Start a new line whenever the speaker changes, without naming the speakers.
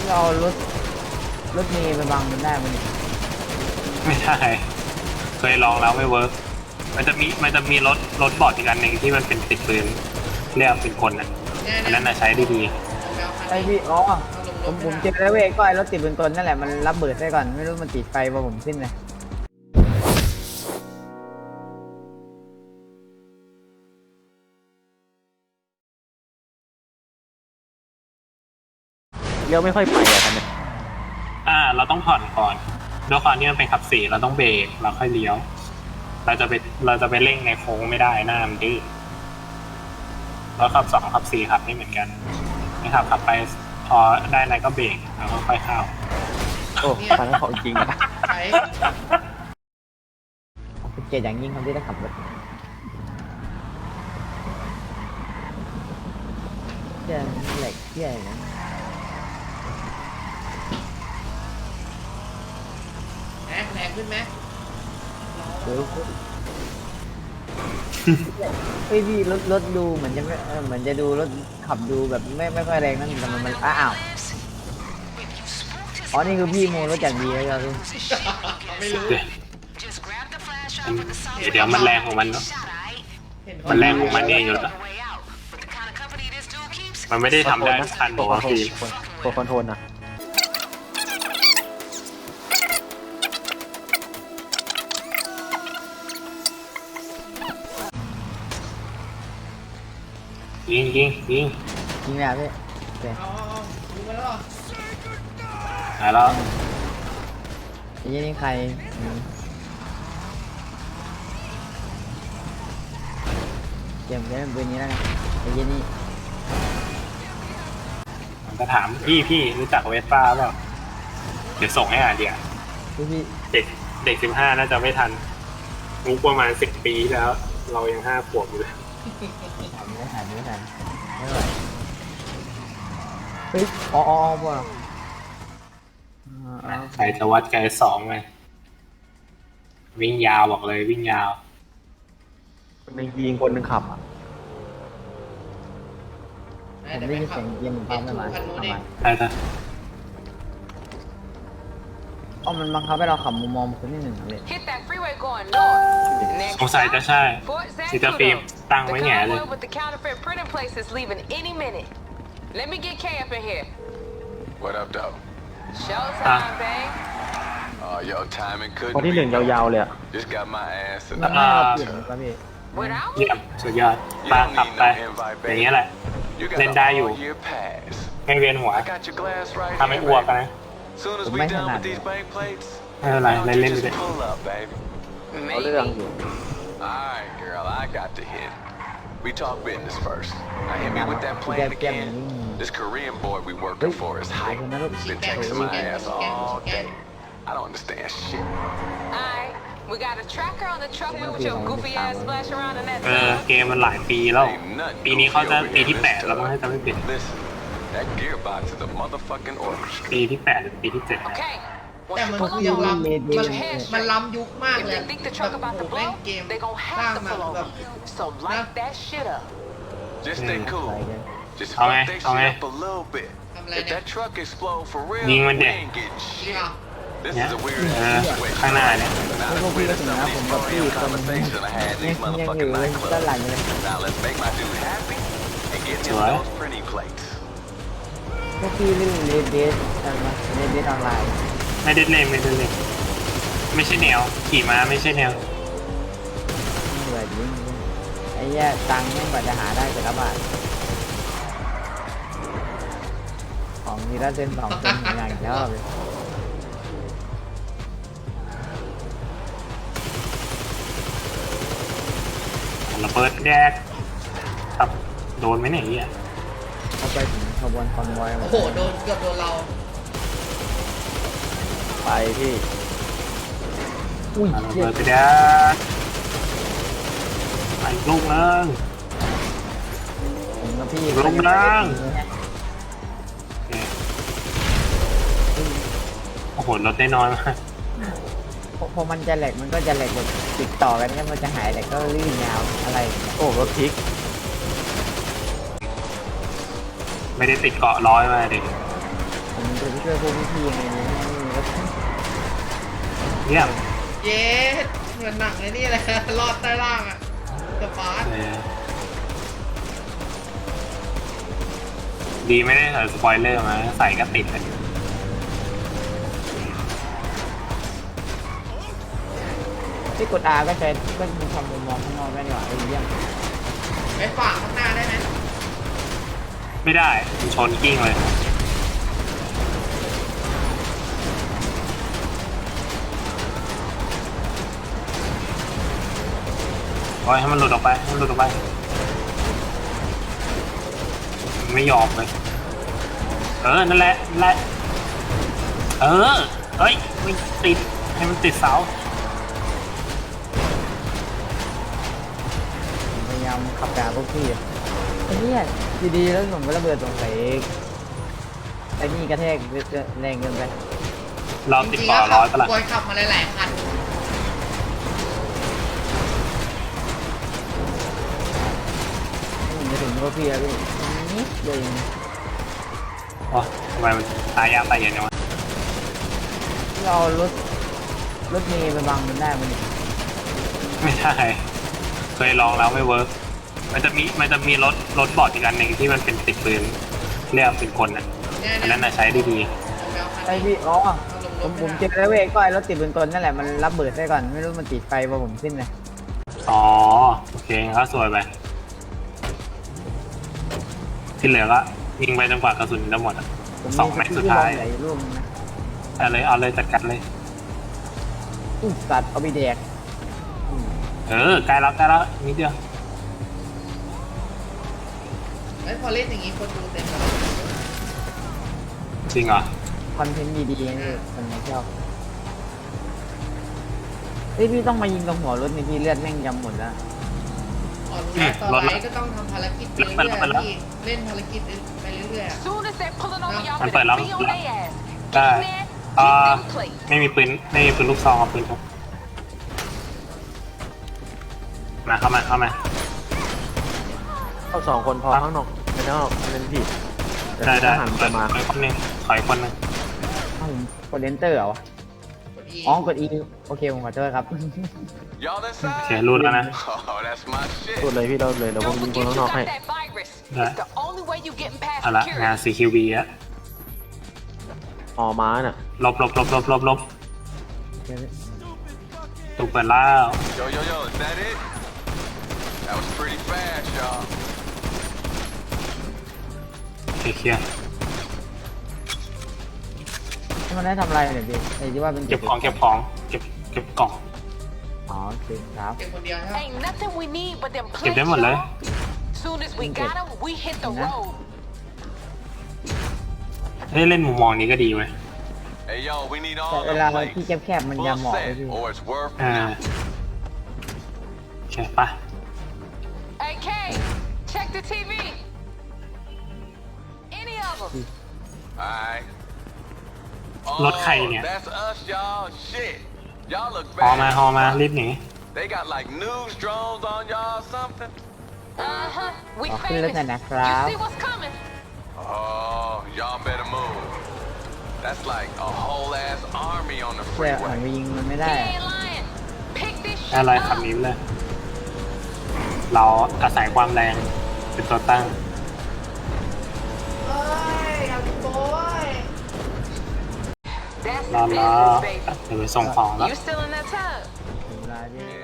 เรารถเมล์ไปบังมันได้ไหมเนี่ย
ไม่ใช่เคยลองแล้วไม่เวิร์กมันจะมีรถบอดอีกอันหนึ่งที่มันเป็นติดปืนเรียกเป็นคนอ่ะอันนั้นน่ะใช้ได้ดี
ไอพี่อ๋อผมเจอแล้วเว้ยก็ไอรถติดบนต้นนั่นแหละมันรับเบิดได้ก่อนไม่รู้มันติดไฟพอผมขึ้นเลย
เลี้ยวไม่ค่อยไปอะครับเนี่ย
เราต้องผ่อนก่อนด้วยความที่มันเป็นขับสี่เราต้องเบรกเราค่อยเลี้ยวเราจะไปเร่งในโค้งไม่ได้หน้ามันดื้อแล้วขับสองขับสี่ขับไม่เหมือนกันไม่ขับไปพอได้อะไรก็เบรกแล้วก็ค่อยเข้า
โอ้ฟันของจริงอะ
เป็นเกียรติอย่างยิ่งคนที่ได้ขับรถเจ้าเหล็กเจ้านะ
แรงขึ้นไหม
เดี๋ยวเฮ้ยพี่รถดูเหมือนจะไม่เหมือนจะดูรถขับดูแบบไม่ค่อยแรงนั่นแต่มันอ้าวอ๋อนี่คือพี่โมรถอย่างดีเลยครับพี่
ไม่รู้
เดี๋ยวมันแรงของมันเนาะมันแรงของมันเองอยู่แล้วมันไม่ได้ทำได้ทุกคันบอกว่าพี่
ตัวคอนโทรลนะ
ยิง
เลยพี่โอเค
ดูมาแล้ว
หายแล้ว
ไอ้ยี่นี่ใครเกมได้เป็นนี้แล้วไงไอ้ยี่นี่
มันก็ถามพี่รู้จักเวสป้าเปล่าเดี๋ยวส่งให้เดี๋ยว
พี่
เด็ก15น่าจะไม่ทันมุกประมาณ10 ปีแล้วเรายัง5 ขวบอยู่เลย
ไม่ทันไม่ไหวเฮ้ยอ๋อพวก
ใครจะวัดไกล2ไงวิ่งยาวบอกเลยวิ่งยาว
คนหนึ่งยิงคนหนึ่งขับ
ผมได้ยินเสียงยิงปั๊มไม่มา
ใช่ครับ
อ๋อมันบังคับให้เราขับมุมมองคนที่หนึ่งเลย
สงสัยจะใช่ซิตาฟิล์มตั้งไว้แง่เลย
Let me get K up in here.
What up, though?
Showtime, babe.
Oh, yo, timing couldn't
คนที่หนึ่งยาวๆเลยอะ
Just got my ass in
มัน
the
ไม่เราเปลี่ยนครับพี่
เยี่ยมสุดยอดป้าขับไปอย่างเงี้ยแหละเล่นได้อยู่ไม่เวียนหัวทำให้อ้วกนะ
ผมไม่ถนัด
ไม่เป็นไรเล่นไปเลย
เอาเรื่องอยู่
Alright, girl, I got the hit. We talk business first. Now hit me with that plan again. This Korean boy we working for is hype. Been texting my ass all day. I don't understand shit.
Alright, we got a tracker on the truck with your goofy ass splash around in that
เกมมันหลายปีแล้วปีนี้เขาจะปีที่8แล้วมั้งให้จำไม่ผิด
Listen, that gearbox is a motherfucking orchestra.
ปีที่8หรือปีที่7
Okay.
แต่มันคือยังล้ำมันล้ำยุคมากเลยแบบแม่งเกมสร้างมาแบบ
So light that shit up.
Just stay cool. Just fuck that shit up a little bit. If that truck explode for real, we ain't getting shit. This is a weird situation.
ข้างหน้าเนี่ย
พวกพี่ก็ถึงนะผมกับพี่คนยังอยู่ด้านหลังเลย
Now let's make my dude happy and get him those pretty plates.
พวกพี่เล่นเลดเดสอะไรเลดเดสออนไลน์
ไม่ได้เล่นไม่ใช่แนวขี่ม้าไม่ใช่แนว
เหนื่อยจริงไอ้แย่ตังค์ไม่กว่าจะหาได้แต่ละบาทของมีละเส้น2 เส้นอย่างเดียวเลย
ระเบิดแดกครับโดนไหมเนี่ยเนี่ย
เข้าไปถึงขบวนคอนวอย
โอ้โหโดนเกือบโดนเรา
ไปพี่
อุ้ย
ระเบิดไปแดกไปลูกนึง
ผมกับพี่
ลูกนึงโอ้โหรถได้น้อยมาก
พอมันจะแหลกมันก็จะแหลกแบบติดต่อกันเนี่ยมันจะหายแหลกก็ลื่นยาวอะไร
โอ้รถพลิก
ไม่ได้ติดเกาะร้อยมาดิ
ผมจะไปช่วยพวกพี่ๆยังไงดีแล้ว
เยี่ยม
เย้เหมือนหนังเลยนี่เลย รอดใต้ล่างอ่ะสปาร์ต
ดีไม่ได้ใส่สปอยเลอร์มาใส่ก็ติดเลย
ที่กด R ก็ใช้ก็มีความมุมมองข้างนอกได้ดีกว่าเยี่ยม
ไปฝั่งข้างหน้าได้ไหม
ไม่ได้มันชนกิ้งเลยปล่อยให้มันหลุดออกไปให้มันหลุดออกไปมันไม่ยอมเลยนั่นแหละนั่นแหละเฮ้ยไม่ติดให้มันติดเสา
พยายามขับด่าพวกพี่ไอ้เนี่ยดีๆแล้วผมก็ระเบิดสงสัยไอ้นี่กระแทกแรงเกินไป
เรา
จ
ติด
ริง
ต่
ๆ
อ
ก็
ร้อยปะล่ะ
บอยขับมาหลายๆคัน
ผมจะถึงพวกพี่แล้วพี่นิดเดียวเอง
โอ้ทำไมมันตายยากตายเย็นจังวะ
ที่เอารถเมย์ไปบังมันได้มัน
ไม่ได้เคยลองแล้วไม่เวิร์กมันจะมีรถบอร์ดอีกอันหนึ่งที่มันเป็นติดปืนเรียกเป็นคนนะอันนั้นน่ะใช้ได้ดี
ไอพี่อ๋อผมเจอแล้วเว้ยก็ไอรถติดบนต้นนั่นแหละมันรับเบิดได้ก่อนไม่รู้มันติดไฟพอผมสิ้นเลย
อ๋อโอเคก็สวยไปที่เหลือก็ยิงไปจนกว่ากระสุนจะหมดอะ
ผม
สองแม็กซ์สุดท้าย
ไหลร่วงนะ
เอาเลยจัดการเลย
สัตว์เอาไปแดก
ใกล้แล้วนิดเดียว
แล้วพอเล่นอย่างนี้คนดูเต็มเลย
จริงเหรอ
คอนเทนต์ดีๆนี่คนไม่ชอบเฮ้ยพี่ต้องมายิงตรงหัวรถนี่พี่เลือดแม่งยำหมดแล้ว
อ๋อรู้แล้วตอนไลฟ์ก็ต้องทำภารกิจไปเรื่อยๆพี่เล่นภารกิจไปเรื่อยๆอะ
Soon as they're pulling over, y'all
Anh
better
phải lắm.
be on their ass.
Đây.
Get in there, get them plates.
ไม่มีปืนลูกซองกับปืนพกเข้ามา
เข้าสองคนพอข้างนอกไม่นอกเล่นผิด
ได้
หันไปมา
ถอยคนหนึงถอยคนหนึง
อ้าวผมกดเลนเตอร์เหรอวะ
กด E
อ๋อกด E โอเคผมขอโทษครับ
Y'all
โอ
inside?
เครูดแล้วนะ
Oh, that's my shit.
พูดเลยพี่เราเลยเดี๋ยวผม
Don't
ยิงคน
forget
ข้าง
you
นอก
got
ให้
that virus.
Đây.
It's the only way you getting past
เอาละงาน
security.
CQB อะ
ออม้าน่ะ
ลบถูกเปิดแล้ว
Yo, is that it? That was pretty fast, y'all.
เคลียร์
มันได้ทำอะไรเนี่ยพี่ไอ้ที่ว่าเป็น
เก็บกล่อง
อ๋อโอเคครับ
เก็บคนเดียวใช่ไหม
Ain't nothing we need but them
เก็บ
plates,
ได้หมดเลย
y'all. Soon as we got them, we hit the road.
เล่นมุมมองนี้ก็ดีเว้ย
Hey, yo, we need
แต่
all
เว
the
ลา
plates.
ที่แคบๆมันจะ
Full
เหมาะเลย
set,
พี่
or it's worth
โอเคไป
Hey, K, check the TV. Any of them.
Alright.
รถใครเนี่ย
That's us, y'all. Shit. Y'all look
ฮอมา
bad.
รีบหนี
They got like news drones on y'all or something.
Uh-huh. We
ขอขึ้นรถ
famous.
หน่อยนะครับ
You see what's coming.
Oh, y'all better move. That's like a whole ass army on the
เพื่อหัน
freeway.
ไปยิงมันไม่
He
ได้
ain't lying. Pick this shit
อะไรขับ
up.
หนี้เลย เราอาศัยความแรงเป็นตัวตั้ง
เอ้ยเอาดิโบ้ย
That's
รอ
the business, baby.
เดี๋ยวไปส่งของแล้ว
You still in that tub?
ถึงเวลาที่
Yeah,